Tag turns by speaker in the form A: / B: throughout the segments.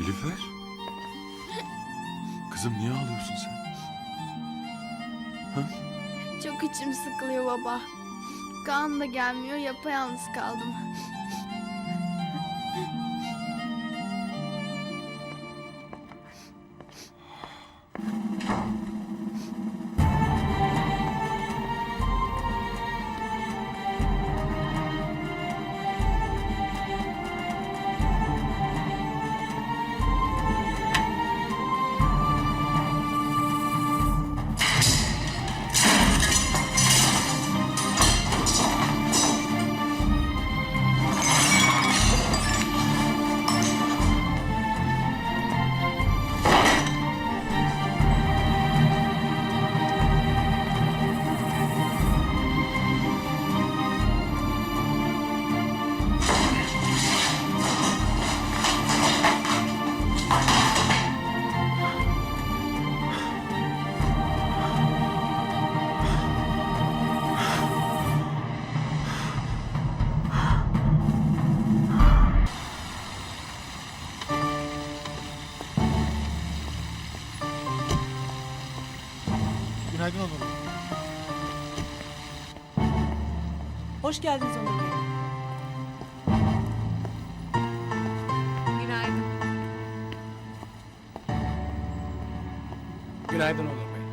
A: Nilüfer? Kızım niye ağlıyorsun sen? Ha?
B: Çok içim sıkılıyor baba. Kaan da gelmiyor, yapayalnız kaldım.
C: Günaydın Onur Bey.
D: Hoş geldiniz Onur Bey.
B: Günaydın.
C: Günaydın Onur Bey.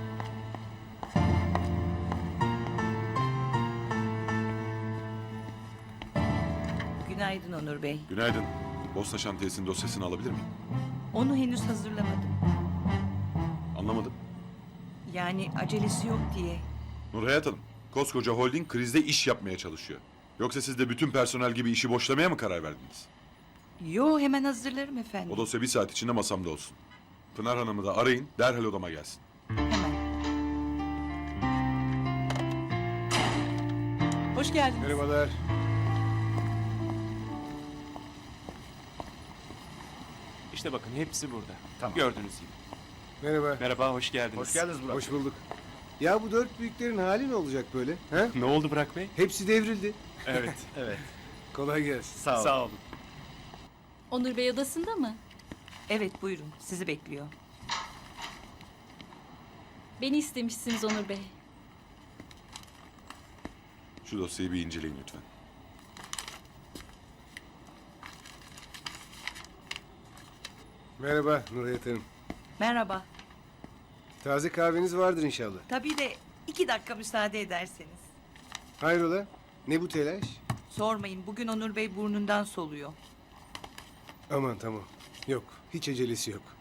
D: Günaydın Onur Bey.
A: Günaydın. Bosna şantiyesinin dosyasını alabilir miyim?
D: Onu henüz hazırlamadım.
A: Anlamadım.
D: Yani acelesi yok diye.
A: Nurhayat Hanım, koskoca holding krizde iş yapmaya çalışıyor. Yoksa siz de bütün personel gibi işi boşlamaya mı karar verdiniz?
D: Yo, hemen hazırlarım efendim.
A: O dosya bir saat içinde masamda olsun. Pınar Hanım'ı da arayın, derhal odama gelsin.
D: Hemen. Hoş geldiniz.
C: Merhabalar.
E: İşte bakın hepsi burada.
C: Tamam.
E: Gördüğünüz gibi.
F: Merhaba.
E: Merhaba, hoş geldiniz.
C: Hoş geldiniz Burak.
F: Hoş bulduk. Ya bu dört büyüklerin hali ne olacak böyle? Ha?
E: Ne oldu Burak Bey?
F: Hepsi devrildi.
E: Evet.
C: Evet.
F: Kolay gelsin.
E: Sağ olun.
G: Onur Bey odasında mı?
D: Evet, buyurun. Sizi bekliyor.
G: Beni istemişsiniz Onur Bey.
A: Şu dosyayı bir inceleyin lütfen.
F: Merhaba Nurhayat Hanım.
D: Merhaba.
F: Taze kahveniz vardır inşallah.
D: Tabii de 2 dakika müsaade ederseniz.
F: Hayrola? Ne bu telaş?
D: Sormayın, bugün Onur Bey burnundan soluyor.
F: Aman tamam. Yok. Hiç acelesi yok.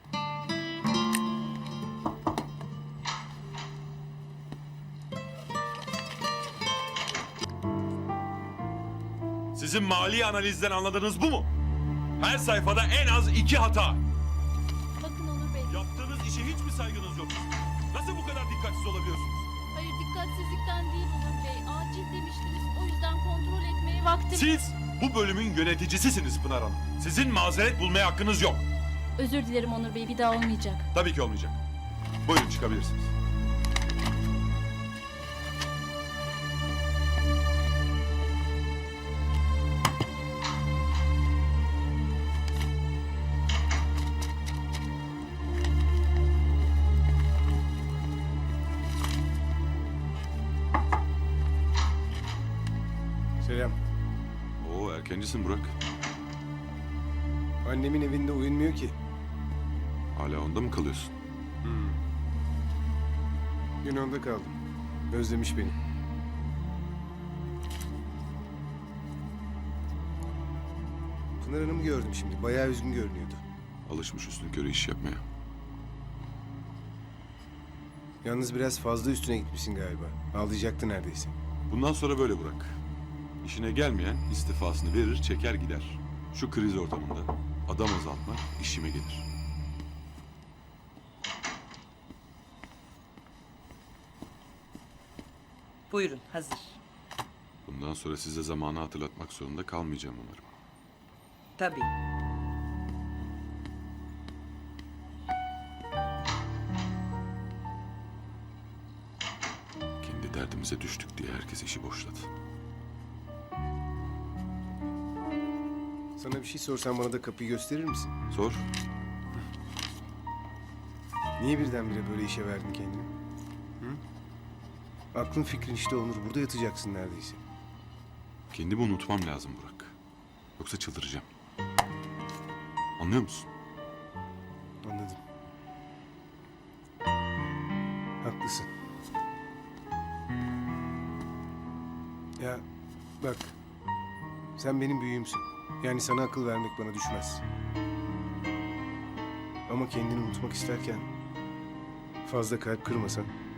A: Sizin mali analizden anladığınız bu mu? Her sayfada en az 2 hata.
G: Bakın Onur Bey.
A: Yaptığınız işe hiç mi saygınız yok? Nasıl bu kadar dikkatsiz olabiliyorsunuz?
G: Hayır dikkatsizlikten değil Onur Bey. Acil demiştiniz. O yüzden kontrol etmeye vaktim...
A: Siz bu bölümün yöneticisisiniz Pınar Hanım. Sizin mazeret bulmaya hakkınız yok.
G: Özür dilerim Onur Bey. Bir daha olmayacak.
A: Tabii ki olmayacak. Buyurun çıkabilirsiniz.
F: Selam.
A: Oo erkencisin Burak.
F: Annemin evinde uyunmuyor ki.
A: Hala onda mı kalıyorsun?
F: Dün onda kaldım. Özlemiş beni. Pınar Hanım'ı gördüm şimdi. Bayağı üzgün görünüyordu.
A: Alışmış üstünkörü iş yapmaya.
F: Yalnız biraz fazla üstüne gitmişsin galiba. Ağlayacaktı neredeyse.
A: Bundan sonra böyle Burak. İşine gelmeyen istifasını verir, çeker gider. Şu kriz ortamında adam azaltmak işime gelir.
D: Buyurun, hazır.
A: Bundan sonra size zamanı hatırlatmak zorunda kalmayacağım umarım.
D: Tabii.
A: Kendi derdimize düştük diye herkes işi boşladı.
F: Sana bir şey sorsam bana da kapıyı gösterir misin?
A: Sor.
F: Niye birdenbire böyle işe verdin kendini? Hı? Aklın fikrin işte Onur. Burada yatacaksın neredeyse.
A: Kendimi unutmam lazım Burak. Yoksa çıldıracağım. Anlıyor musun?
F: Anladım. Haklısın. Ya bak. Sen benim büyüğümsün. Yani sana akıl vermek bana düşmez. Ama kendini unutmak isterken fazla kalp kırmasan